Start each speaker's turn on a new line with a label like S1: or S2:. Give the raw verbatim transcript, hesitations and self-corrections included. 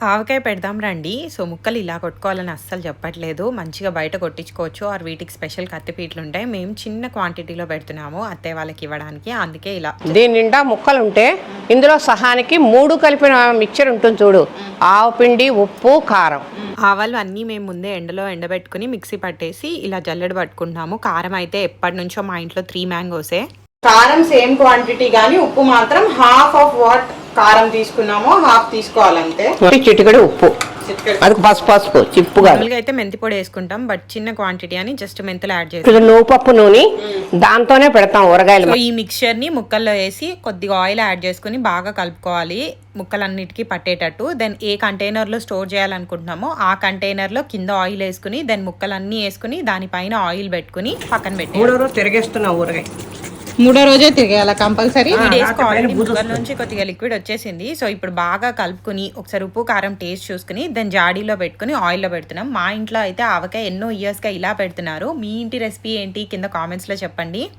S1: ఆవకాయ పెడదాం రండి. సో, ముక్కలు ఇలా కొట్టుకోవాలని అస్సలు చెప్పట్లేదు. మంచిగా బయట కొట్టించుకోవచ్చు. ఆర్ వీటికి స్పెషల్ కత్తిపీటలుంటాయి. మేము చిన్న క్వాంటిటీలో పెడుతున్నాము అత్తయ్య వాళ్ళకి ఇవ్వడానికి. అందుకే ఇలా.
S2: దీని నిండా ముక్కలుంటే ఇందులో సహానికి మూడు కలిపిన మిక్చర్ ఉంటుంది చూడు. ఆవు పిండి, ఉప్పు, కారం.
S1: ఆవాలు అన్నీ మేము ముందే ఎండలో ఎండబెట్టుకుని మిక్సీ పట్టేసి ఇలా జల్లెడ పట్టుకుంటున్నాము. కారం అయితే ఎప్పటి నుంచో మా ఇంట్లో త్రీ మ్యాంగోసే. కారం సేమ్ క్వాంటిటీ కానీ ఉప్పు మాత్రం హాఫ్ ఆఫ్ వాట్ కారం తీసుకున్నామో హాఫ్ తీసుకోవాలంటే.
S2: చిటికెడు ఉప్పు, అది పసుపు పసుపు చిప్పుగా.
S1: అయితే మెంతి పొడి వేసుకుంటాం, బట్ చిన్న క్వాంటిటీ అని జస్ట్ మెంతులు యాడ్ చేస్తాం.
S2: నూపప్పు నూనె దాంతోనే పెడతాం ఊరగాయలు.
S1: ఈ మిక్చర్ ని ముక్కల్లో వేసి కొద్దిగా ఆయిల్ యాడ్ చేసుకుని బాగా కలుపుకోవాలి ముక్కలన్నిటికీ పట్టేటట్టు. దెన్ ఏ కంటైనర్ లో స్టోర్ చేయాలనుకుంటున్నామో ఆ కంటైనర్ లో కింద ఆయిల్ వేసుకుని దెన్ ముక్కలన్నీ వేసుకుని దానిపైన ఆయిల్ పెట్టుకుని పక్కన పెట్టి
S2: మూడో రోజు తిరిగేస్తున్నాం ఊరగాయ.
S1: మూడో రోజే తిరగేయాలి కంపల్సరీ. ముక్కల నుంచి కొద్దిగా లిక్విడ్ వచ్చేసింది. సో ఇప్పుడు బాగా కలుపుకుని ఒకసారి ఉప్పు కారం టేస్ట్ చూసుకుని దెన్ జాడీలో పెట్టుకుని ఆయిల్లో పెడుతున్నాం. మా ఇంట్లో అయితే ఆవకాయ ఎన్నో ఇయర్స్ గా ఇలా పెడుతున్నారు. మీ ఇంటి రెసిపీ ఏంటి కింద కామెంట్స్ లో చెప్పండి.